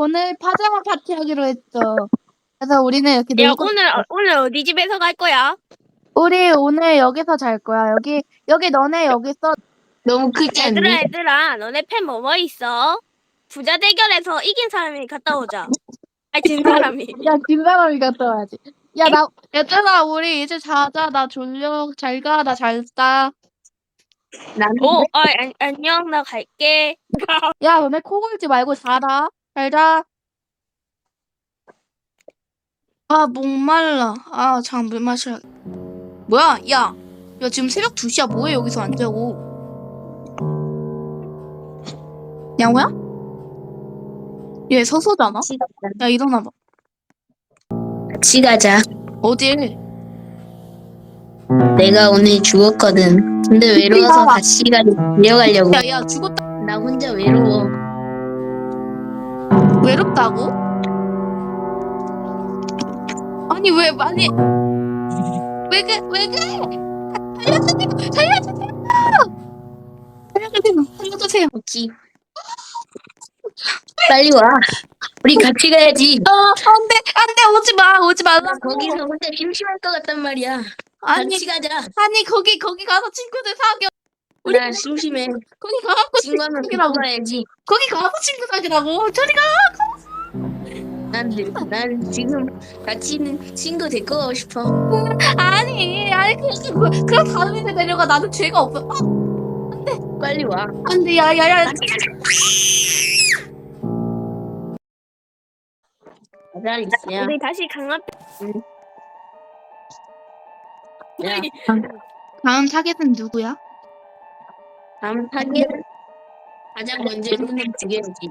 오늘 파자마 파티 하기로 했죠. 그래서 우리는 이렇게 야, 놀고 오늘 어디 집에서 갈 거야? 우리 오늘 여기서 잘 거야. 여기 너네 여기서 너무 크지 않니? 얘들아, 너네 팬 뭐 있어? 부자 대결에서 이긴 사람이 갔다 오자. 아니, 진 사람이. 야 김사람이 갔다 와야지. 얘들아 우리 이제 자자. 나 졸려. 잘 가. 나 잘 자. 나는 안녕, 나 갈게. 야 너네 코 골지 말고 자라. 잘 자. 아 목말라. 아 잠 물 마셔. 뭐야? 야 지금 새벽 2시야. 뭐해 여기서 안 자고? 양호야? 얘 서서잖아? 야 일어나봐. 같이 가자. 어딜? 내가 오늘 죽었거든. 근데 외로워서 같이 내려가려고. 야 죽었다. 나 혼자 외로워. 외롭다고? 아니 왜 많이 왜 그래? 살려주세요. 오지. 빨리 와. 우리 같이 가야지. 안돼 오지 나 말라고. 거기서 혼자 심심할 것 같단 말이야. 아니 같이 가자. 거기 가서 친구들 사겨. 우리 나 심심해. 거기 가서 친구하면 친구라고. 가야지. 거기 가서 친구 사귀라고. 저리 가. 난 지금 같이 있는 친구 데리고 가고 싶어. 아니 그럼 다른 애들 데려가. 나는 죄가 없어. 빨리 와. 안돼 야야야. 가자, 리스야. 우리 다시 강압. 야, 다음 타겟은 누구야? 다음 타겟 가장 먼저 눈을 죽여야지.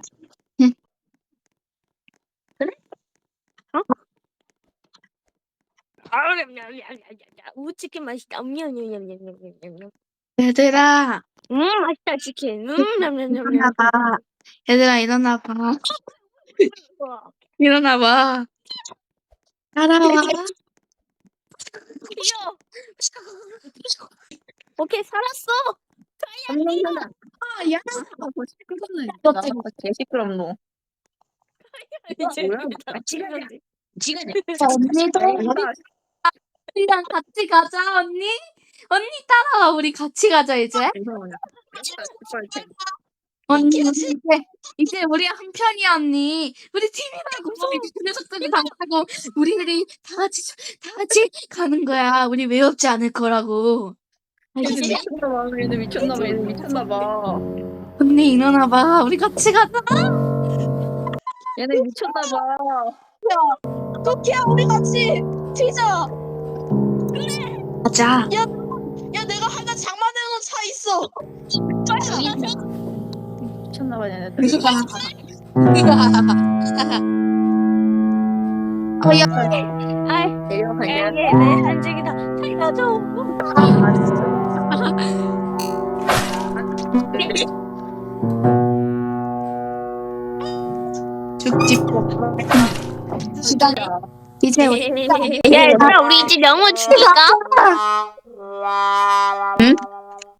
우치킨 맛있다. 얘들아 맛있다, 치킨. 일어나봐. 얘들아 일어나봐. 일어나봐. 따라와. 귀여워. 오케이, 살았어. 엄청나다. 야. 개 시끄럽노. 이제 뭐야? 같이 가자. 같이 가자. 언니도 우리랑 같이 가자 언니. 언니 따라와. 우리 같이 가자 이제. 언니 이제 우리 한 편이야 언니. 우리 팀이라고. 그 녀석들이 다 하고 우리들이 다 같이 가는 거야. 우리 외롭지 않을 거라고. 알겠지? 얘네 미쳤나봐. 언니 일어나봐. 우리 같이 가자. 얘네 미쳤나봐. 토끼야 우리 같이 튀자. 가자. 야 내가 하나 장만해놓은 차 있어. 미쳤나봐 얘네들. 야. 아이, 내려가자. 이게 내 한직이다. 살려줘. 죽지. 시간. 이제 우리 야, 얘들아, 우리 이제 영어 줄까? 응?